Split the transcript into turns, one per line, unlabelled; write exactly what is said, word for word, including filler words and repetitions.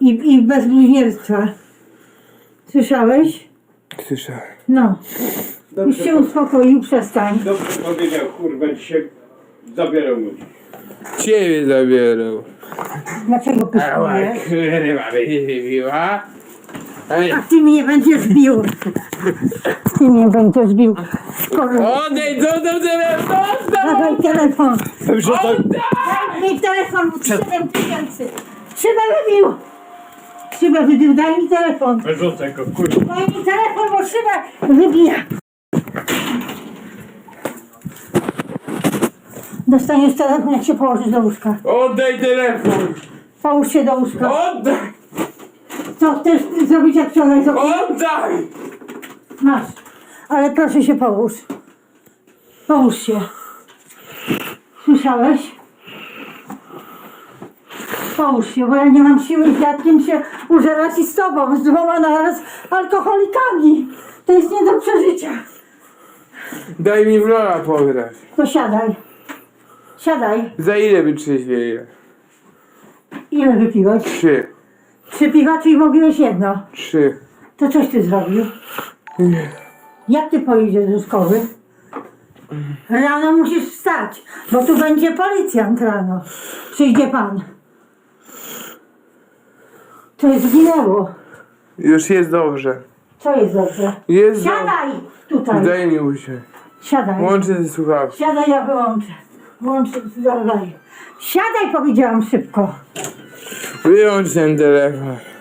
I, i bez bluźnierstwa. Słyszałeś?
Słyszałem.
No. Już się uspokoił, przestań.
Dobrze powiedział, kurwa, dzisiaj zabierał ludzi.
Ciebie zabierał.
Dlaczego
Ała,
pyszkujesz?
kurwa, będzie biła.
A ty mnie będziesz bił. Ty mnie będziesz bił. Skoro...
Odejdź, co tam telefon?
Dawaj telefon.
Dobrze, to...
Daj mi telefon, siedem tysięcy. Szybę wybił. Szybę wybił, daj mi telefon.
Wyrzucę go, kurwa.
Daj mi telefon, bo szybę wybija. Dostaniesz telefon, jak się położysz do łóżka.
Oddaj telefon.
Połóż się do łóżka.
Oddaj.
Co chcesz zrobić, jak wczoraj zrobiłeś?
Oddaj.
Masz. Ale proszę się połóż. Połóż się. Słyszałeś? Połóż się, bo ja nie mam siły z dziadkiem się użerać i z tobą, z dwoma naraz alkoholikami. To jest nie do przeżycia.
Daj mi w lola pograć.
To siadaj. Siadaj.
Za ile wytrzeźwieje?
Ile wypiłeś?
Trzy.
Trzy piwa, czyli mówiłeś jedno.
Trzy.
To coś ty zrobił?
Nie.
Jak ty pojedziesz do szkoły? Rano musisz wstać, bo tu będzie policjant rano. Przyjdzie pan. To jest zginęło.
Już jest dobrze.
Co jest dobrze?
Jest dobrze.
Siadaj tutaj.
Daj mi usiąść.
Siadaj.
Łączę ze słuchawką.
Siadaj, ja wyłączę. Włączę, dawaj. Siadaj, powiedziałam szybko.
Wyłącz ten telefon.